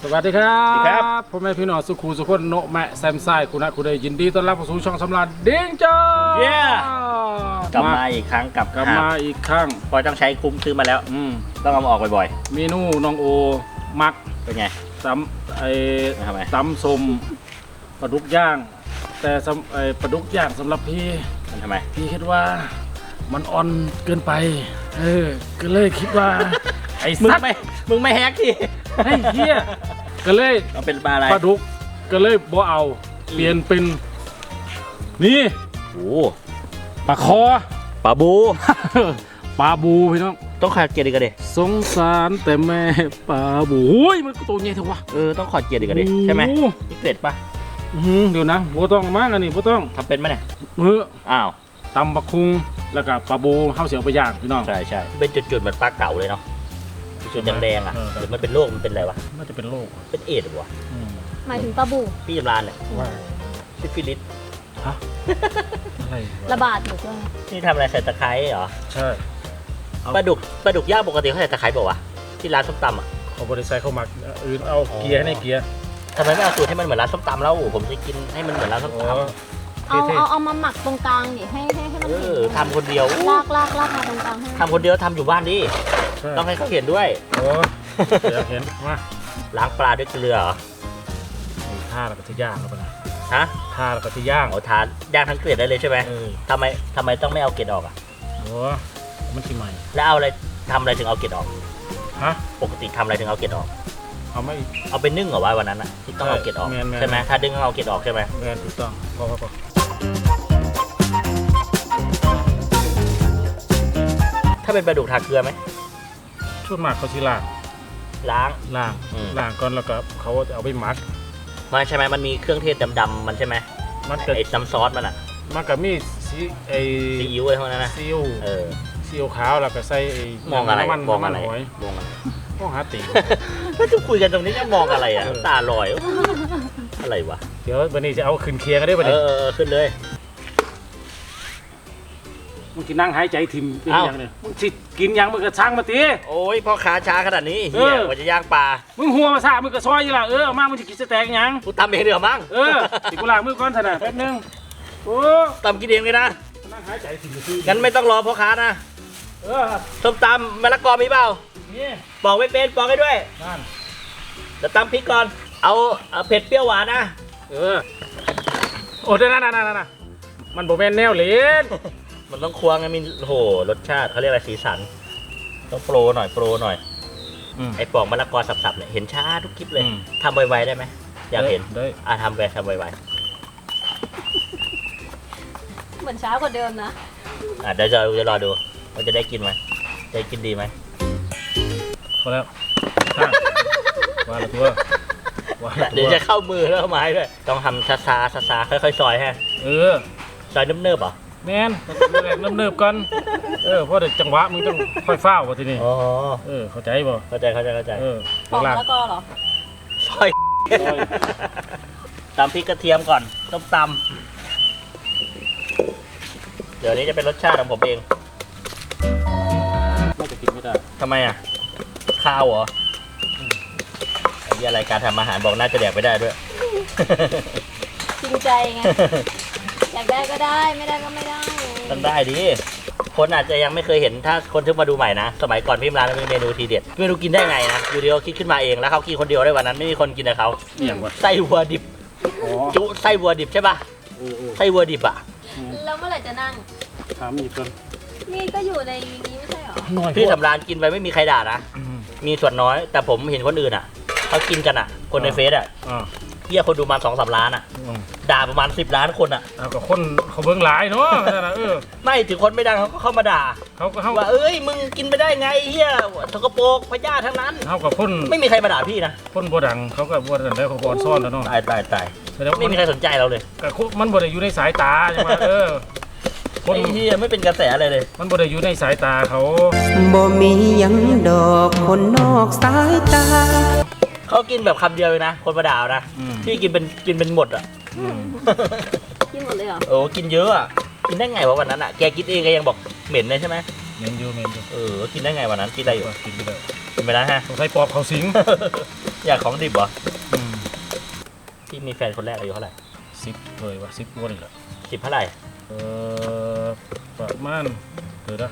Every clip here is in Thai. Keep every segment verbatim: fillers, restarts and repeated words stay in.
สวัสดีครับพ่อแม่พี่น้องสุขูสุขคนโนแมะแซมไซคุณนะคุณได้ยินดีต้อนรับเข้าสู่ช่องสำราญเด้งจ้าเย้กลับมาอีกครั้งกับกลับมาอีกครั้งพอต้องใช้คุ้มซื้อมาแล้วอืมต้องเอามาออกบ่อยๆเมนูน้องโอมักเป็นไงตำไอ้ทำไมตำส้มปลาดุกย่างแต่ไอ้ปลาดุกย่างสำหรับพี่มันทำไมพี่คิดว่ามันอ่อนเกินไปเออก็เลยคิดว่าไอ้สัตว์มึงไม่มึงไม่แฮกที่ไอ้เหี้ยก็เลยเอาเป็นปลาอะไรปลาดุกก็เลยบ่เอาเปลี่ยนเป็นนี่โอ้ปลาคอปลาบูปลาบูพี่น้องต้องขอเกียรติกันดิสงสารแต่แม่ปลาบูโอ้ยมันตัวใหญ่เถอะวะเออต้องขอเกียรติกันดิใช่ไหมนี่เกล็ดปะเดี๋ยวนะโบต้องมากอันนี้โบต้องทำเป็นไหมเนี่ยมืออ้าวตำปลาคุงแล้วก็ปลาบูเข้าเสียวไปย่างพี่น้องใช่ใช่เป็นจุดๆเหมือนปลาเก๋าเลยเนาะจุดแดงๆอ่ะหรือมันเป็นโรคมันเป็นอะไรวะน่าจะเป็นโรคเป็นเอดส์วะหมายถึงปลาบูพี่จำรานเนี่ยซิฟิลิสฮะอะไรระบาดอยู่ด้วยนี่ทำอะไรใส่ตะไคร้เหรอใช่ปลาดุกปลาดุกย่างปกติเขาใส่ตะไคร้บอกว่าที่ร้านส้มตำอ่ะเขาบริษัทเขาหมักอื่นเอาเกียร์ให้เกียร์ทำไมไม่เอาสูตรให้มันเหมือนร้านส้มตำแล้วผมจะกินให้มันเหมือนร้านส้มตำเอาเอาเอามาหมักตรงกลางดิให้ให้ให้มันเออทำคนเดียวลากลากลากมาตรงกลางให้ทำคนเดียวทำอยู่บ้านดิต้องให้เขาเห็นด้วยโอ้เดี๋ยวเห็นมาล้างปลาด้วยเกลือเหรอท่าแล้วก็ที่ย่างแล้วปะนะฮะท่าแล้วก็ที่ย่างโอ้ทานย่างทั้งเกล็ดได้เลยใช่ไหมทำไมทำไมต้องไม่เอาเกล็ดออกอ่ะโอ้มันที่ใหม่แล้วเอาอะไรทำอะไรถึงเอาเกล็ดออกฮะปกติทำอะไรถึงเอาเกล็ดออกเอาไม่เอาไปนึ่งเหรอวะวันนั้นอ่ะที่ต้องเอาเกล็ดออกใช่ไหมถ้าดึงเอาเกล็ดออกใช่ไหมแมนถูกต้องพอพอพอถ้าเป็นปลาดุกทาเกลือไหมชุดหมักเขาที่ล้างล้างล้างล้างก่อนแล้วก็เขาจะเอาไปหมักมันใช่ไหมมันมีเครื่องเทศดำๆมันใช่ไหมมันไอ้น้ำซอสมันอ่ะมันก็มีซีไอซีอิ๊วอะไรพวกนั้นนะซีอิ๊วเออซีอิ๊วขาวแล้วก็ใส่มองอะไรมองอะไรมองอะไรมองหาตีก็จะคุยกันตรงนี้จะมองอะไรอ่ะตาลอยอะไรวะเดี๋ยววันนี้จะเอาขึ้นเคลียร์กันได้ป่ะเนี่ยเออขึ้นเลยมึงกินนั่งหายใจทิมเป็นยังเนี่ยมึงสิกินยังมึงกระช่างมาตีโอ้ยพ่อขาช้าขนาดนี้เฮียว่าจะย่างปลามึงหัวมาซามึงกระซอยยี่ล่ะเออมากมึงจะกินสแต็กยังกูตำเองเดี๋ยวมั้งเออติกูล้างมือก่อนเถอะนะแป๊บนึงโอ้ตำกินเองเลยนะนั่งหายใจทิมงั้นไม่ต้องรอพ่อค้านะเออส้มตำมะละกอมีเปล่านี่บอกไม่เป็นบอกให้ด้วยนั่นจะตำพริกก่อนเอาเผ็ดเปรี้ยวหวานนะเออโอ้ได้นั่นนั่นนั่นมันโบแมนแนวเหลนมันต้องควงไงมีโหรสชาติเขาเรียกอะไรสีสันต้องโปรหน่อยโปรหน่อยไอ้ปอกมะละกอสับๆเนี่ยเห็นช้าทุกคลิปเลยทำไวๆได้ไหมอยากเห็นได้อ่ะทำไปทำไวๆเหมือนช้ากว่าเดิมนะอ่ะเดี๋ยวจะจะรอดูว่าจะได้กินไหมจะกินดีไหมพอแล้วว่าละตัวเดี๋ยวจะเข้ามือแล้วไม้ด้วยต้องทำซาซาซาซาค่อยๆซอยฮะเออซอยเนิบๆเหรอแมนเนิบๆกันเออเพราะเดี๋ยวจังหวะมึงต้องค่อยเฝ้าว่ะทีนี้อ๋อเออเข้าใจป่ะเข้าใจเข้าใจเข้าใจเออปอกมะละกอเหรอซอยตำพริกกระเทียมก่อนต้มตำเดี๋ยวนี้จะเป็นรสชาติของผมเองไม่จะกินไม่ได้ทำไมอ่ะข้าวเหรอไอ้รายการทำอาหารบอกน่าจะแดกไม่ได้ด้วยจริงใจไงอยากได้ก็ได้ไม่ได้ก็ไม่ได้ต้องได้ดิคนอาจจะยังไม่เคยเห็นถ้าคนที่มาดูใหม่นะสมัยก่อนพี่ร้านมีเมนูทีเด็ดเมนูกินได้ไงนะอยู่เดียวคิดขึ้นมาเองแล้วเขากินคนเดียวได้วันนั้นไม่มีคนกินกับเขาไส้วัวดิบจุไส้วัวดิบใช่ป่ะไส้วัวดิบอ่ะแล้วเมื่อไหร่จะนั่งถามอีกคนนี่ก็อยู่ในนี้ไม่ใช่หรอพี่สำราญกินไปไม่มีใครด่านะมีส่วนน้อยแต่ผมเห็นคนอื่นอ่ะเขากินกันอ่ะคนในเฟซอ่ะเฮียคนดูมาสองสามล้านอ่ะด่าประมาณสิบล้านคนอ่ะเอากับคนเขาเบิ้งหลายเนาะเออไม่ถึงคนไม่ดังเขาก็เข้ามาด่าเขาก็ว่าเอ้ยมึงกินไปได้ไงเฮียสกปรกพยาธิทั้งนั้นเขากับคนไม่มีใครมาด่าพี่นะคนบ่ดังเขาก็บ่ดังแล้วเขาบ่ซ่อนแล้วเนาะตายตายตายไม่มีใครสนใจเราเลยแต่มันบ่ได้อยู่ในสายตาใช่ไหมเออคนที่ไม่เป็นกระแสอะไรเลยมันบ่ได้อยู่ในสายตาเขาบ่มียังดอกคนนอกสายตาเขากินแบบคำเดียวเลยนะคนมาด่านะพี่กินเป็นกินเป็นหมดอ่ะกินหมดเลยเหรอโอ้กินเยอะอ่ะกินได้ไงวะวันนั้นอ่ะแกกินเองแกยังบอกเหม็นเลยใช่ไหมเหม็นอยู่เหม็นอยู่เออกินได้ไงวันนั้นกินได้อยู่กินได้เป็นไปแล้วฮะสงสัยปอบเขาสิงอยากของดิบเหรออืมพี่มีแฟนคนแรกอายุเท่าไหร่สิบเลยวะสิบวันอีกแล้วสิบเท่าไหร่เออประมาณเดี๋ยวนะ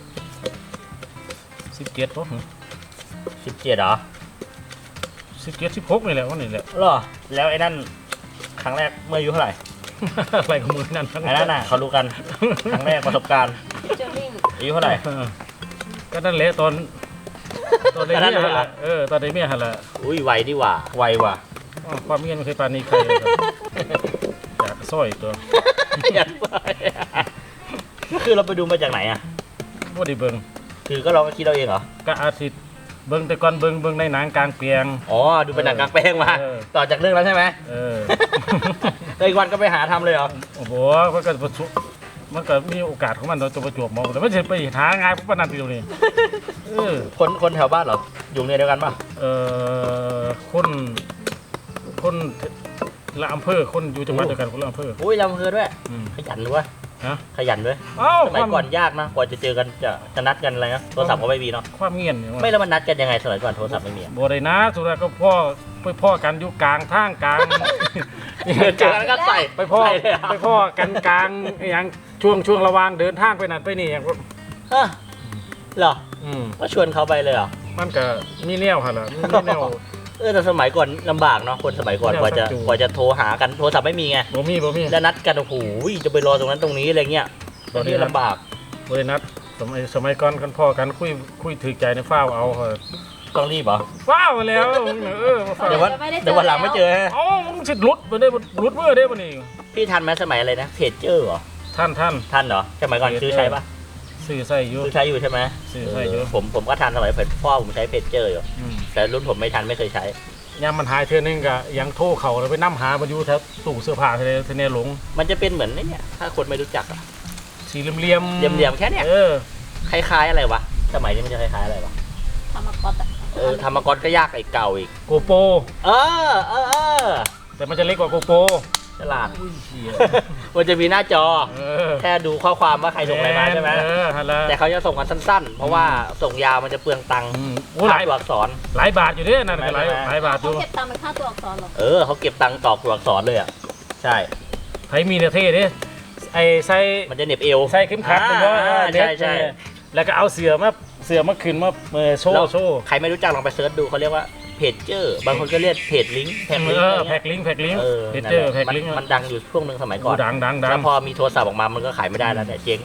สิบเจ็ดป่ะสิบเจ็ดเหรอสิบเจ็ดสิบหกนี่แหละวันนี้แหละหรอแล้วไอ้นั่นครั้งแรกเมื่ออายุเท่าไหร่อะไรของมือนั่นทั้งไอ้นั่นน่ะเขารู้กันครั้งแรกประสบการณ์เจอริ่งอายุเท่าไหร่เออก็นั่นแหละตอนตอนในก็นั่เมีนยแหละหั่นละเออตอนในเมียหันละอุ้ยไวดีหว่าไวว่ะอ้าวความเมียนไม่เคยปานนี้ใครเลยครับอยากสร้อยตัวอยากไปก็คือเราไปดูมาจากไหนอ่ะว่าได้เบิ่งคือก็เราก็คิดเราเองเหรอก็อาทิตย์เบิ่งแต่ก่อนเบิ่งเบิ่งในหนังกลางเปียงอ๋อดูเป็นหนังกลางแปลงมาเออต่อจากเรื่องแล้วใช่ไหมเออแล้วอีกวันก็ไปหาทำเลยเหรอโอ้โหมันก็ประชุมันก็มีโอกาสของมันเราจะประจวบเหมองแต่ไม่ใช่ไปหางานพวกปนันติวนี่เออคนคนแถวบ้านเหรออยู่ในเดียวกันป่ะเออคนคนละอำเภอคนอยู่จังหวัดเดียวกันคนละอำเภออุ้ยลำเพอด้วยอืมขยันด้วยฮะขยันด้วยเอ้าสมัยก่อนยากนะกว่าจะเจอกันจะจะนัดกันอะไรนะโทรศัพท์ก็ไม่มีเนาะความเงียบเนี่ยไม่แล้วมันนัดกันยังไงสมัยก่อนโทรศัพท์ไม่มีอะบ่ได้นะสุดท้ายก็พ่อไปพ่อกันอยู่กลางทางกลางเจอกันแล้วก็ใส่ไปพ่อใส่เลยเหรไปพ่อกันกลางอย่างช่วงช่วงระหว่างเดินทางไปนั่นไปนี่อย่างฮะเหรออืมก็ชวนเขาไปเลยเหรอมันก็มีแนวค่ะล่ะมีแนวเออแต่สมัยก่อนลำบากเนาะคนสมัยก่อนไม่กว่าจะเอาสักจูกว่าจะโทรหากันโทรศัพท์ไม่มีไงบ่มีบ่มีแล้วนัดกันโอ้โหจะไปรอตรงนั้นตรงนี้อะไรเงี้ยตอนนี้ลำบากบ่ได้นัดสมัยสมัยก่อนกันพ่อกันคุยคุยถือใจในฟ้าวเอาเถอะต้องรีบเหรอฟ้าวแล้วเออมาฟ้าวเดี๋ยววันเดี๋ยววันหลังไม่เจอฮะเอ้ามึงสิหลุดบ่ได้บ่หลุดเมื่อได้บ่นี่พี่ทันไหมสมัยอะไรนะเพจเจอร์เหรอท่านท่านทันเหรอสมัยก่อนซื้อใช้ปะซื้อใส่อยู่ซื้อใช้อยู่ใช่ไหมซื้อใช้อยู่ผมผมก็ทันสมัยพ่อผมใช้เพจเจอร์อยู่อืมแต่รุ่นผมไม่ทันไม่เคยใช้ยามมันหายเทื่อนึงก็ยังโทรเขาแล้วไปนํหามันอยู่แถวตู้เสื้อผ้าทะเลทะเลหลงมันจะเป็นเหมือนไอ้เนี่ยถ้าคนไม่รู้จักอะสีเหลี่ยมๆเหลี่ยมๆแค่เนี้ยเออคล้ายๆอะไรวะสมัยนี้มันจะคล้ายๆอะไรวะทำมาก๊อตอะเออธรรมกรก็ยากไอ้เก่าอีกโกโปรเออเออเออแต่มันจะเล็กกว่าโกโปรฉลาดอุ้ยเหี้ยมันจะมีหน้าจอเออแค่ดูข้อความว่าใครส่งอะไรมาใช่ไหมเออฮัลโหลแต่เขาจะส่งกันสั้นๆ เพราะว่าส่งยาวมันจะเปลืองตังค์อืมโอ้หลายตัวอักษรหลายบาทอยู่เด้นั่นก็หลายไม่ไม่หลายบาทอเขายู่เก็บตังค์เป็นค่าตัวอักษรเหรอเออเขาเก็บตังค์ต่อตัวอักษรเลยอ่ะ ใช่ไผมีเนื้อเท่เด้ไอ้ใส่มันจะเหน็บเอวใส่เข็มขัดเป็นว่าอ่าเน็ตใช่ใช่แล้วก็เอาเสือมาเสือมาขึ้นมาเออโชแล้วว์โชว์ใครไม่รู้จักลองไปเซิร์ชดูเขาเรียกว่าเพจเจอร์บางคนก็เรียกเพจลิงก์แพ็กลิงเอก์ออะไรแพ็เงี้ยกลิงก์แพ็กลิงก์เออเพจนั่นเจอแหร์ละแพ็กมันลิงก์มันดังอยู่ช่วงหนึ่งสมัยก่อนดังดังดังแล้วพอมีโทรศัพท์ออกมามันก็ขายไม่ได้แล้วแต่เจ๊ง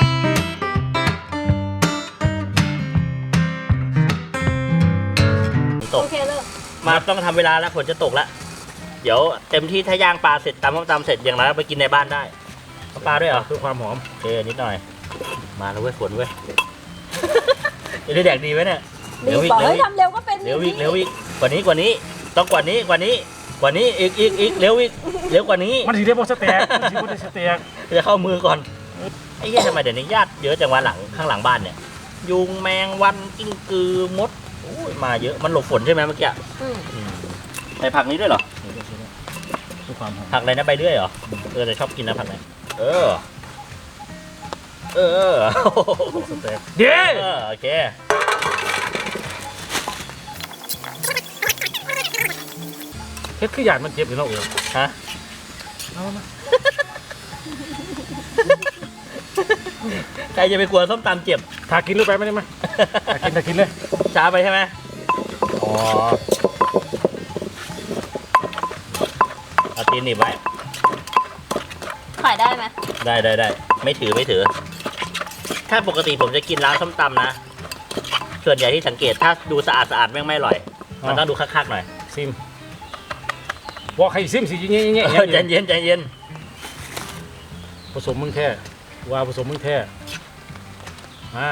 ตโอก เคเลิกมาต้องทำเวลาแล้วฝนจะตกแล้ว เดี๋ยวเต็มที่ถ้าย่างปลาเสร็จตำส้มตำเสร็จอย่างไรก็ไปกินในบ้านได้ทำปลาด้วยเหรอเพื่อความหอมโอเคนิดหน่อย มาแล้วเว้ยฝนเว้ย จะได้แดกดีไหมเนี่ยรีบบอกเฮ้ยทำเร็วก็เป็นเร็วอีกเร็วอีกกว่านี้กว่านี้ต้องกว่านี้กว่านี้กว่านี้อีกอีกอีกเร็วอีกเร็วกว่านี้มันสิได้บ่สแต็กมันสิบ่ได้สแต็กจะเข้ามือก่อนไอ้เหี้ยทำไมเดี๋ยวนี้ญาติเยอะจังวะหลังข้างหลังบ้านเนี่ย ยุงแมงวันกิ้งกือมดโอ้ยมาเยอะมันหลบฝนใช่ไหมเมื่อกี้อืมอืมใส่ผักนี้ด้วยเหรอเพื่อความหอมผักอะไรนะใบเลื่อยเหรอ เออแต่ชอบกินนะผักไหนเออ เออ เออสแต็กเด้เออโอเคเฮ็ดคือหยาดมันเจ็บอยู่เนาะเออฮะเอามาใครจะไปกลัวส้มตำเจ็บถ้ากินลงไปไม่ได้มั้ยถ้ากินถ้ากินเลยช้าไปใช่ไหมอ๋อเอาตีนหนีบไว้ขายได้ไหมได้ได้ได้ไม่ถือไม่ถือ ถ้าปกติผมจะกินร้านส้มตำนะ ส่วนใหญ่ที่สังเกตถ้าดูสะอาดสะอาดแม่งไม่อร่อย มันต้องดูคักๆหน่อยซิมบอกให้ซิมสิเงี้ยเงี้ยเออใจเย็นใจเย็นผสมมึงแท้ว่าผสมมึงแท้มา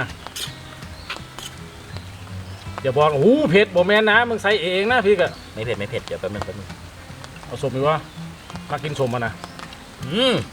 อย่าบอกโอ้โหเผ็ดบ่แม่นนะมึงใส่เองนะพี่กะไม่เผ็ดไม่เผ็ดเดี๋ยวแป๊บนึงแป๊บนึงเอาสมดีว่ามากินสมมานะอืม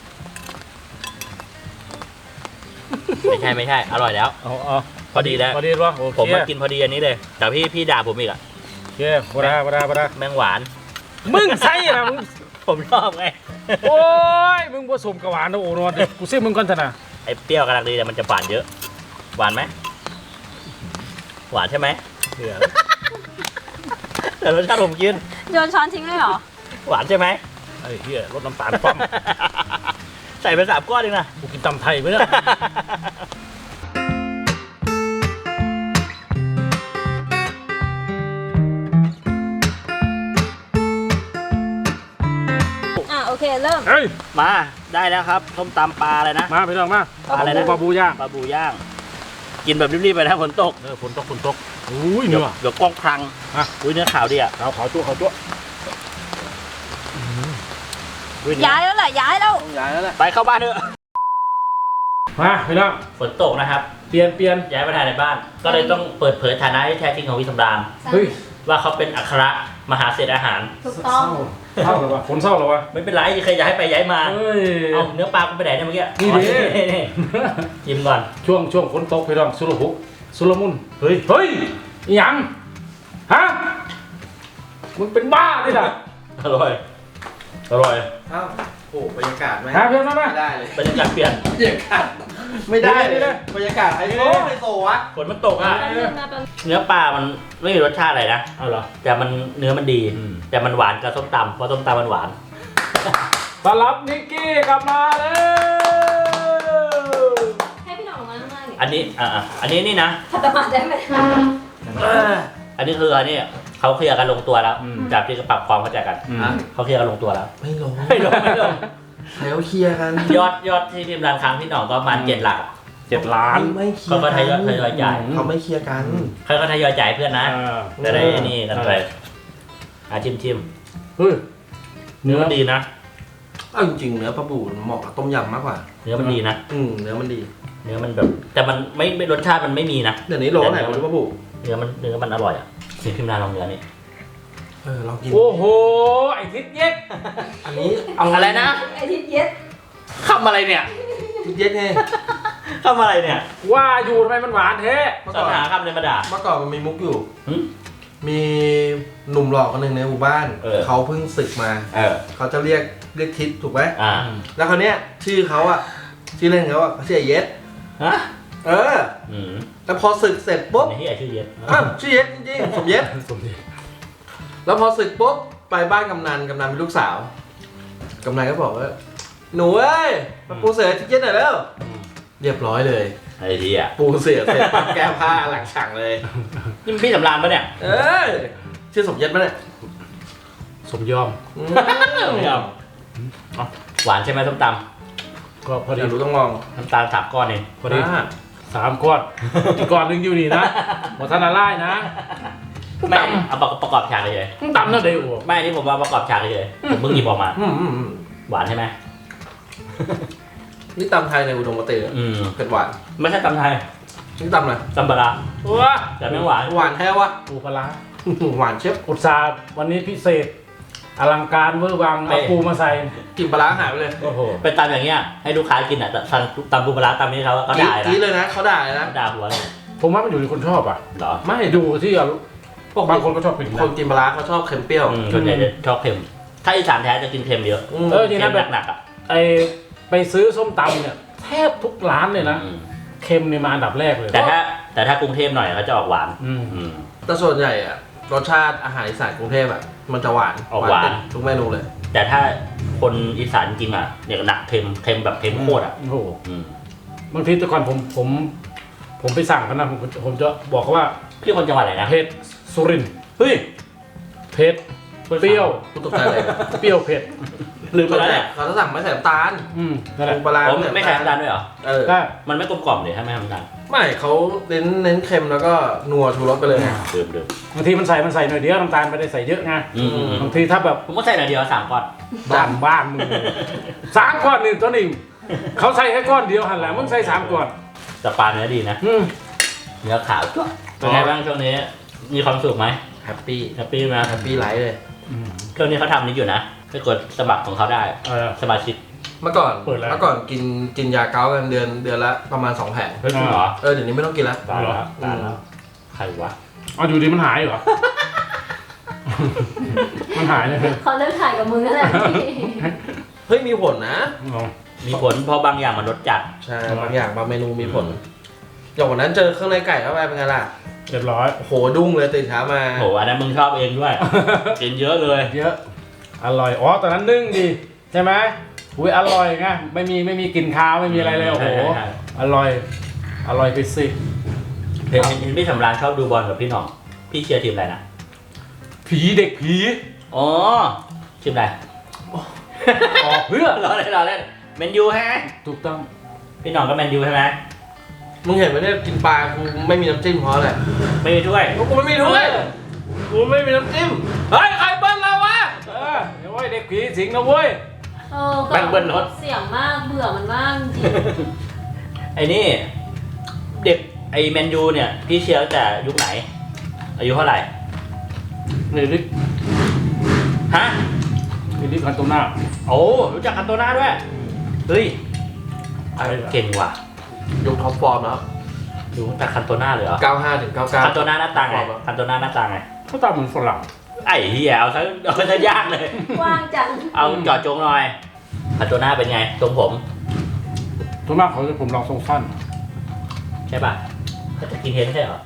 ไม่ใช่ไม่ใช่ อร่อยแล้วเอาเอาพอดีแล้วพอดีวะโอเคผมมากินพอดีอันนี้เลย แต่พี่พี่ด่าผมอีกอะโอเคบดาบดาบดาแมงหวานมึงใส่นะมึงผมชอบไงโอ้ยมึงผสมกับหวานนะโอ้นอนเดี๋ยวกูซิมมึงก่อนเถอะนะไอ้เปรี้ยวกำลังดีแต่มันจะหวานเยอะ หวานไหมหวานใช่ไหมเดี๋ยวแต่รสชาติผมกินโยนช้อนทิ้งเลยเหรอหวานใช่ไหมไอ้เหี้ยรสน้ำตาลปั้มใส่ไปสามก้อนเองนะกูกินตำไทยไปเนี่ยอ่ะโอเคเริ่มเฮ้ยมาได้แล้วครับส้มตำปลาอะไรนะมาพี่น้องมาปลาอะไรนะปลาบูย่างปลาบูย่าง กินแบบรีบๆไปนะฝนตกเออฝนตกฝนตกอุ้ยเนื้อเดี๋ยวกล้องพลังอ่ะอุ้ยเนื้อขาวดีอ่ะขาวขาวจั่วขาวจั่วอุ้เนื้อย้ายแล้วแหละย้ายแล้วย้ายแล้วแหละไปเข้าบ้านเถอะมาพี่น้องฝนตกนะครับเปลี่ยนเปลี่ยนย้ายมาถ่ายในบ้าน ก็เลยต้องเปิดเผยฐานะที่แท้จริงของวิสำราญเฮ้ยว่าเขาเป็นอัครมหาเศรษฐอาหารถูกต้องเศร้าเหรอวะฝนเศร้าเหรอวะไม่เป็นไรใครอยากให้ไปย้ายมาเฮ้ยเอาเนื้อปลากูไปไหนเนี่ยเมื่อกี้นี่ดิอ๋อนี่ชิมก่อนช่วงช่วงฝนตกพี่น้องสุรหุสุรมุนเฮ้ยเฮ้ยอิหยังฮะมึงเป็นบ้าดิล่ะอร่อย อร่อยอ้าวโอ้บรรยากาศไหมหาเพื่อนมาไหมไม่ได้เลยบรรยากาศเปลี่ยนบรรยากาศไม่ได้นี่เลเลยยบรรยากาศไฮโซไฮโซวะฝนมันตกอ่ะแป๊บนึงนะแป๊บนึงเนื้อปลามันไม่มีรสชาติอะไรนะเอาเหรอแต่มันเนื้อมันดีอืมแต่มันหวานกับส้มตำเพราะส้มตำมันหวานต้อนรับนิกกี้กลับมาแล้วให้พี่หน่องลงมาข้างล่างดิอันนี้ อ่าอันนี้นี่นะขัดตมาได้ไหมอันนี้คืออันนี้เขาเคลียร์กันลงตัวแล้ว จากที่ปรับความเข้าใจกันอืมเขาเคลียร์กันลงตัวแล้วไม่ลงไม่ลงไม่ลงใครเขาเคลียร์กันยอดยอดที่พิมพ์ร้านค้างพี่หน่องก็ประมาณเจ็ดหลักอะเจ็ดล้านไม่เคลียเขาร์ก็ทยอยทยอยจ่ายเขาไม่เคลียร์กันเขาก็ทยอยจ่ายเพื่อนนะอ่าจะได้นี่กันไปอ่ะชิมชิมเฮ้ยเนื้อมันดีนะเอาจริงๆเนื้อปลาบูมันเหมาะกับต้มยำมากกว่าเนื้อมันดีนะอืมเนื้อมันดีเนื้อมันแบบ แต่มันไม่ไม่รสชาติมันไม่มีนะเดี๋ยวนี้โลไหนมันปลาบูเนื้อมันเนื้อมันอร่อยอ่ะชิมพิมพ์ร้านลองเนื้อนี่เออลองกินโอ้โห ไอ้ทิศเย็กอันนี้เอาอะไรนะไอทิศเย็ดคำอะไรเนี่ยทิศเย็ดไงคำอะไรเนี่ยว่าอยู่ทำไมมันหวานแท้เมื่อสรก่อนรหาคำในมาด่าเมื่อก่อนมันมีมุกอยู่หึมีหนุ่มหล่อคนหนึ่งในหมู่บ้านเออเขาเพิ่งศึกมาเออเขาจะเรียกเรียกทิศถูกไหมอ่าแล้วคราวเนี้ยชื่อเขาอะชื่อเล่นเขาอะเขาชื่อไอ้เย็ดฮะเอออืมแล้วพอศึกเสร็จปุ๊บในที่ไอชื่อเย็ดอ้าวชื่อเย็ดจริงๆสมเย็ดสมดีแล้วพอศึกปุ๊บไปบ้านกำนันกำนันเป็นลูกสาวกำนันก็บอกว่าหนูเอ้ยมาปูเสือทิศเย็ดหน่อยแล้วเรียบร้อยเลยไอ้ที่อ่ะปูเสือเสร็จปั๊บแก้ผ้าหลังฉากเลยนี่มันพี่สำรานปะเนี่ยเออชื่อสมเย็ดปะเนี่ยสมยอมอืมไม่เอาเอาหวานใช่ไหมส้มตก็พออดียากรู้ต้องลองำน้ำตาลสามก้อนเองพอดีอ่าสามก้อนอีกก้อนหนึงอยู่นี่นะหมดท่านอะไรนะไม่เอาประกอบฉากเฉยมึงตำนั่นเดียวๆไม่อันนี่ผมว่าประกอบฉากเฉยๆผมเพิ่งหยิบออกมาอืมอืมอืมหวานใช่ไหมนี่ตำไทยในอุดมคติเหรออืมเผ็ดหวานไม่ใช่ตำไทยนี่ตำอะไรตำปลาร้าว้าแต่ไม่หวานหวานแท้วะปูปลาร้าหวานเชฟอุตสาห์วันนี้พิเศษ อลังการเวอร์วังเอาปูมาใส่กลิ่นปลาร้าหายไปเลยโอ้โหเป็นตำอย่างเงี้ยให้ลูกค้ากินอ่ะแต่ตำตำปูปลาร้าตำนี้เขาก็กรี๊ด่าดยกรี๊ดนะเลยนะเขาด่าเลยนะเขาด่าหัวเลยผมว่ามันอยู่ที่คนชอบอ่ะเหรอไม่ดูที่อารมณ์บางคนก็ชอบกินคนะนกินปลาร้าเขาชอบเค็มเปรี้ยวอืมส่วนใหญ่จะชอบเค็ม ถ้าอีสานแท้จะกินเค็มเยอะมเออจริงเค็นะมแบบหนักๆอ่ะไอไปซื้อส้มตำเนี่ยแทบทุกร้านเลยนะอืมเค็มเนี่ยมาอันดับแรกเลยแต่ถ้าแต่ถ้ากรุงเทพหน่อยเขาจะออกหวานอืมอืมแต่ส่วนใหญ่อะรสชาติอาหารอีสานกรุงเทพอะมันจะหวานออกหวานติดทุกเมนูเลยแต่ถ้าคนอีสานจริงอ่ะเนี่ยหนักเค็มเค็มแบบเค็มโคตรอ่ะโอ้โหอืมบางทีแต่ก่อนผมผม ผมไปสั่งกันนะผมผมจะบอกเขาว่าพี่คนจังหวัดไหนนะเผ็ดสุรินทร์เฮ้ยเผ็ดเปรี้ยวกูตกใจเลยเปรี้ยวเผ็ดลืมไปส่วนแล้วใหญ่เนี่ยเขาจะสั่งไม่ใส่น้ำตาลอืมนั่นแหละปูปลาร้าผมไม่ใส่น้ำตาลด้วยเหรอเออได้มันไม่กลมกล่อมเลยถ้าไม่ทำน้ำตาลไม่เขาเน้นเน้นเค็มแล้วก็นัวชูรสไปเลยดื่มดื่มบางทีมันใส่มันใส่หน่อยเดียวน้ำตาลไม่ได้ใส่เยอะไงอืมอืมอืมบางทีถ้าแบบผมก็ใส่หน่อยเดียวสามก้อนบ้านบ้านมึงสามก้อนนี่ตัวหนึ่งเขาใส่แค่ก้อนเดียวหันแหละมึงใส่สามก้อนแต่ปลาเนื้อดีนะอืมเนื้อขาวจ้ะเป็นไงบ้างช่วงนี้ มีความสุขไหมแฮปปี้แฮปปี้ไหมแฮปปี้ไลฟ์เลยอืมช่วงนี้เขาทำนี้อยู่นะไปกดสมัครของเขาได้เออสมาชิกเมื่อก่อนเปิดแล้วเมื่อก่อนกินกินยาเก้ากันเดือนเดือนละประมาณสองแผงเฮ้ยจริงเหรอเออเดี๋ยวนี้ไม่ต้องกินแล้วตายแล้วตายแล้วใครวะเอาอยู่ดีมันหายเหรอ มันหายเลยเขาเลิกถ่ายกับมึงแล้วแหละพี่เฮ้ยมีผลนะเอามีผลเพราะบางอย่างมันรสจัดใช่บางอย่างบางเมนูมีผลอย่างวันนั้นเจอเครื่องในไก่เข้าไปเป็นไงล่ะเรียบร้อยโอ้โหดุ้งเลยตื่นเช้ามาโหอันนั้นมึงชอบเองด้วย กินเยอะเลยเยอะอร่อยอ๋อตอนนั้นนึ่งดีใช่ไหมอุ้ยอร่อยไงไม่มีไม่มีกลิ่นคาวไม่มีอะไรเลยโอ้โหอร่อยอร่อยไปสิเห็นเห็นพี่สำราญชอบดูบอลกับพี่หน่องพี่เชียร์ทีมอะไรนะผีเด็กผีอ๋อทีมอะไรออกเพื่อรอเล่นรอเล่นแมนยูใช่ไหมถูกต้องพี่หน่องก็แมนยูใช่ไหมมึงเห็นไหมเนี่ยกินปลากูไม่มีน้ำจิ้มเพราะอะไรไม่มีถ้วยกูไม่มีถ้วยกูไม่มีน้ำจิ้มเฮ้ยใครเบิ้ลเราวะเออเดี๋ยวเว้ยเด็กผีสิงนะเว้ยเออแบ่งเบิ้ลรถเสียงมากเบื่อมันมากจริงไอ้นี่เด็กไอ้แมนยูเนี่ยพี่เชียร์ตั้งแต่ยุคไหน อายุเท่าไหร่นี่ลิกฮะนี่ลิกคันโตน่าโอ้รู้จักคันโตน่าด้วยเฮ้ยเก่งว่ะยกท็อปฟอร์มแล้วดูแต่คันโตน่าเลยเหรอเก้าห้าถึงเก้าเก้าคันโตน่าหน้าตาไงคันโตน่าหน้าตาไงเขาตามเหมือนฝรั่งไอ้เหี้ยเอาซะเอาซะยากเลยกว้างจังเอาจอดจงหน่อยคันโตน่าเป็นไงทรงผมส่วนมากเขาจะผมลองทรงสั้นใช่ป่ะแต่จะกินเทนใช่เหรอ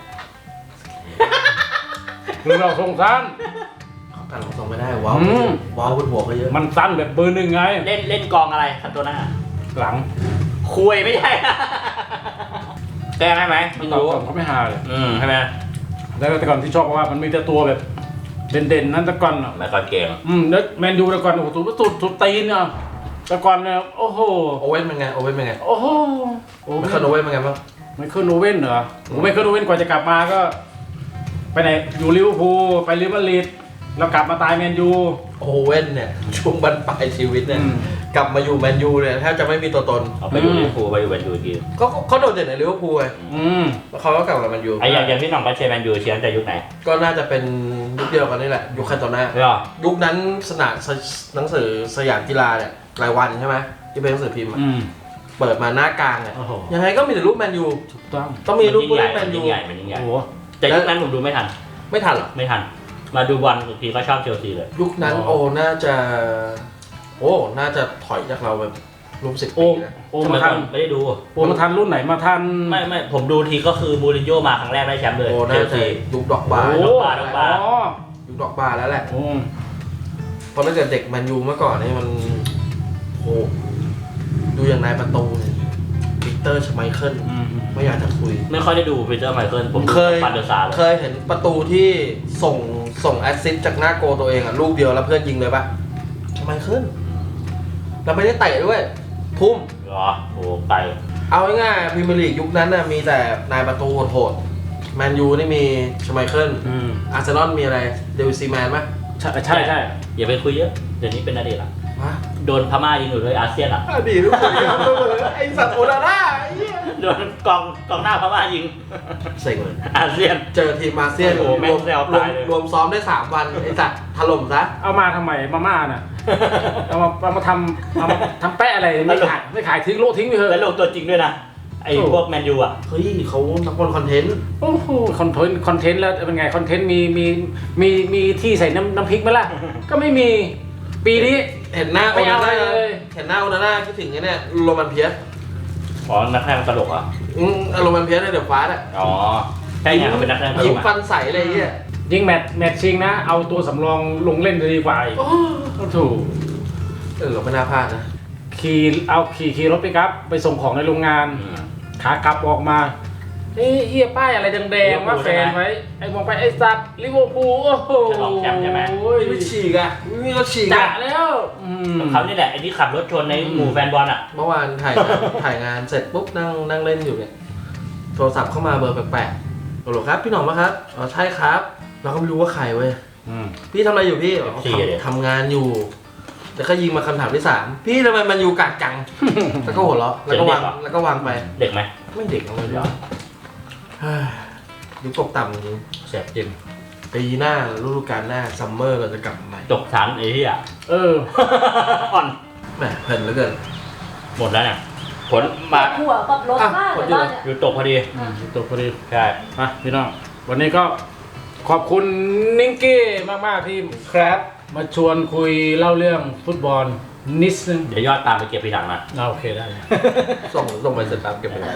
หรือเราทรงสั้นเขาตัดของส่งไม่ได้ว้าวอืมว้าวบนหัวก็เยอะมันสั้นแบบเบอร์หนึ่งไงเล่นเล่นกองอะไรคันโตน่าหลังคุยไม่ใช่ แกล้งได้ไหมไม่ตอนรู้ก่อนเขาไม่หาเลยอืมใช่ไหมแล้วแต่ก่อนที่ชอบเพราะว่ามันมีแต่ตัวแบบเด่นๆนั่นแต่ก่อนอ่ะแล้วก็เก่งอืมแล้วแมนยูแต่ก่อนโอ้โหสุดสุดสุดตีนอ่ะแต่ก่อนเนี่ยโอ้โหโอเว่นเป็นไงโอเว่นเป็นไงโอ้โหโอ้ไม่ไม่เคยโอเว่นเป็นไงบ้างไม่เคยโนเว่นเหรอโอ้ไม่เคยโนเว่นกว่าจะกลับมาก็ ไปไหนอยู่ลิเวอร์พูลไปลิเวอร์พูลแล้วกลับมาตายแมนยูโอเว่นเนี่ยช่วงบรรปลายชีวิตเนี่ยอืมกลับมาอยู่แมนยูเนี่ยแทบจะไม่มีตัวตนเอาไปอยู่ลิเวอร์พูลไปอยู่แมนยูอีกทีเขาเขาโดดเด่นในลิเวอร์พูลไงอืมแล้วเขาก็กลับมาแมนยูไอ้อย่างอย่างพี่หน่องก็เชียร์แมนยูเชียร์ตั้งแต่ยุคไหนก็น่าจะเป็นยุคเดียวกันนี่แหละยุคคันโตน่าเหรอยุคนั้นสนามหนังสือสยามกีฬาเนี่ยรายวันใช่ไหมที่เป็นหนังสือพิมพ์อะอืมเปิดมาหน้ากลางเนี่ยโอ้โหยังไงก็มีแต่รูปแมนยูถูกต้องต้องมีรูปนผู้ยิ่งใหเล่ญ่นแมมันนยูยิ่งใหญ่มันยิ่งใหญ่โอ้โหแต่ยุคนั้นผมดูไม่ทันไม่ทันหรอไม่ทัน มาดูบอลอีกทีก็ชอบเชลซีเลยยุคนั้นโอ้น่าจะโอ้น่าจะถอยจากเราแบบรวมสิบโอ้ปีนะโอ้ทำไมมาทันก่อนไม่ได้ดูโอ้มาทันรุ่นไหนมาทันไม่ไม่ผมดูทีก็คือมูรินโญ่มาครั้งแรกได้แชมป์เลยโอ้เชน่าลจะซียุคดอกบาร์โอ้ดอกบาร์ดอกบาร์อ๋อยุคดอกบาร์แล้วแหละโอ้เพราะตั้งแต่เด็กแมนยูเมื่อก่อนนี่มันโอ้ดูอย่างนายประตูเนี่ยวิกเตอร์ชไมเคิลอืมไม่อยากจะคุยไม่ค่อยได้ดูปีเตอร์ไมเคิลผมเคยฟันเดอร์ซาร์เลยเคยเห็นประตูที่ส่งส่งแอสซิสต์จากหน้าโกลตัวเองอ่ะลูกเดียวแล้วเพื่อนยิงเลยปะชไมเคิลแล้วไม่ได้เตะด้วย ทุ่มเหรอโอ้ไปเอาง่ายๆพรีเมียร์ลีกยุคนั้นน่ะมีแต่นายประตูโหดๆแมนยูนี่มีชไมเคิลอืมอาร์เซนอลมีอะไรเดวิดซีแมนไหมใช่ใช่ใช่อย่าไปคุยเยอะเดี๋ยวนี้เป็นอดีตละวะโดนพม่ายิงอยู่ด้วยอาเซียนอ่ะอดีตทุกคนไอสัตว์โอนาน่าไอ้เหี้ยโดนกองกองหน้าพม่ายิงเซ็งเลยอาเซียนเจอทีมอาเซียนโอ้โหแม่รง วมแซวรวตาม ยเลยรวมซ้อมได้สามวันไอสัตว์ถล่มซะเอามาทำไมมาม่าน่ะเอามาเอามาทำเอามาทำแปะอะไรไม่ขายไม่ขายทิ้งโลกทิ้งไปเถแล้วอะลงตัวจริงด้วยนะ ไอ้โอ้พวกแมนยูอ่ะเฮ้ยเขานักบอลคอนเทนต์โอ้โหคอนเทนต์คอนเทนต์แล้วเป็นไงคอนเทนต์มีมีมีมีที่ใส่น้ำน้ำพริกไหมล่ะ ก็ไม่มีปีนี้เห็นหน้าโอไม่นาเอาน่าเลยเห็นหน้าโอนาน่าคิดถึงไอ้เนี่ยโรมันเพียสอ๋อ นักแสดงตลกเหรอ่ะอืมโรมันเพียสในเดอะฟาสอ่ะอ๋อ ใช่ไงเขาเป็นนักแสดงตลยิ้มกฟัอ่ะนใสอะไรเงี้ยยิงแมตช์แมตช์ชิงนะ เอาตัวสำรองลงเล่นจะดีกว่าอีกโอ้ก็ถูกเออเราไม่น่าพลาดนะขี่เอาขี่ขี่รถไปครับ ไปส่งของในโรงงานอืมขากลับออกมาเอ้ยเฮียป้ายอะไรแดงๆว่าแฟนไว้ไอ้มองไปไอ้สัตว์ลิเวอร์พูลโอ้โหจะลองแชมป์ใช่ไหมไม่ฉีกอ่ะไม่รถฉีกจะอ่ะแล้วอืมเขานี่แหละไอ้ที่ขับรถชนในหมู่แฟนบอลอ่ะเมื่อวานถ่ายงานถ่ายงานเสร็จปุ๊บนั่งนั่งเล่นอยู่เนี่ยโทรศัพท์เข้ามาเบอร์แปลกๆฮัลโหลครับพี่หน่องปะครับอ๋อใช่ครับเราก็ไม่รู้ว่าใครเว้ยอืมพี่ทำอะไรอยู่พี่อ๋อเอฟซีทำเลยทำงานอยู่แล้วก็ยิงมาคำถามที่สามพี่ทำไมมันอยู่กากจัง แล้วก็หัวเราะแล้วก็วางแล้วก็วางไปเด็กไหมไม่เด็กเอาเลยเดี๋ยวเฮ้ยยุคตกต่ำจริงเสียบจริงปีหน้าฤดูกาลหน้าซัมเมอร์เราจะกลับมาใหม่ตกชั้นไอ้ที่อ่ะเอออ่อนแหมเพลินเหลือเกินหมดแล้วเนี่ย ผลมาหัวกับรถมากอ่ะเลยบ้านเนี่ยอยู่ตกพอดีอืมจบพอดีใช่อ่ะพี่น้องวันนี้ก็ขอบคุณนิงกี้มาก ๆ ที่ครับมาชวนคุยเล่าเรื่องฟุตบอลนิดนึงเดี๋ยวยอดตามไปเก็บทีหลังนะอ่าโอเคได้ส่งส่งไปเสร็จปั๊บเก็บไปได้เลยได้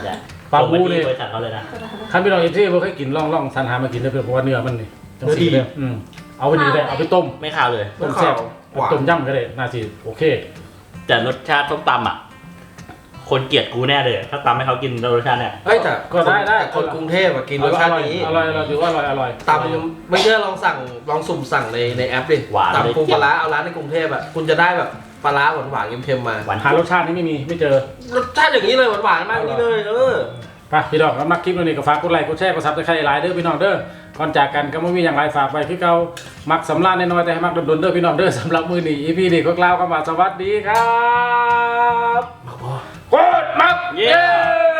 ปลาบูนี่บริษัทเขาเลยนะคันพี่น้องเอฟซีบ่เคยกินล่องล่องสันหามากินได้เพื่อเพราะว่าเนื้อมันนี่จังสีเลยอืมเอาไปนี่ได้เอาไปต้มไม่ข่าวเลยต้มแซ่บต้มยำก็ได้น่าสิโอเคแต่รสชาติส้มตำอ่ะ คนเกลียดกูแน่เลย ถ้าตำให้เขากินรสชาติเนี่ยเฮ้ยแต่ก็ได้ได้แต่คนกรุงเทพอะกินรสชาตินี้อร่อยอร่อยถือว่าอร่อยอร่อยตำไม่เชื่อลองสั่งลองสุ่มสั่งในในแอปดิหวานเลยตำปูปลาร้าเอาร้านในกรุงเทพอะคุณจะได้แบบปลาร้าหวานหวานๆเค็มๆมาหวานหารสชาตินี้ไม่มีไม่เจอรสชาติอย่างนี้เลยหวานหวานๆมากนี่เลยเออไปพี่น้องแล้วมักคลิปนี้ก็ฝากกดไลค์กดแชร์กดซับสไครต์หลายเด้อพี่น้องเด้อก่อนจากกันก็ไม่มีอย่างไรฝากไปพี่เก่ามักสำราญน้อยๆแต่ให้มักดนๆเด้อพี่น้องเด้อสำหรับมือนี้อีพีนี้ก็กล่าวคำว่าสวัสดีครับกดมักเย้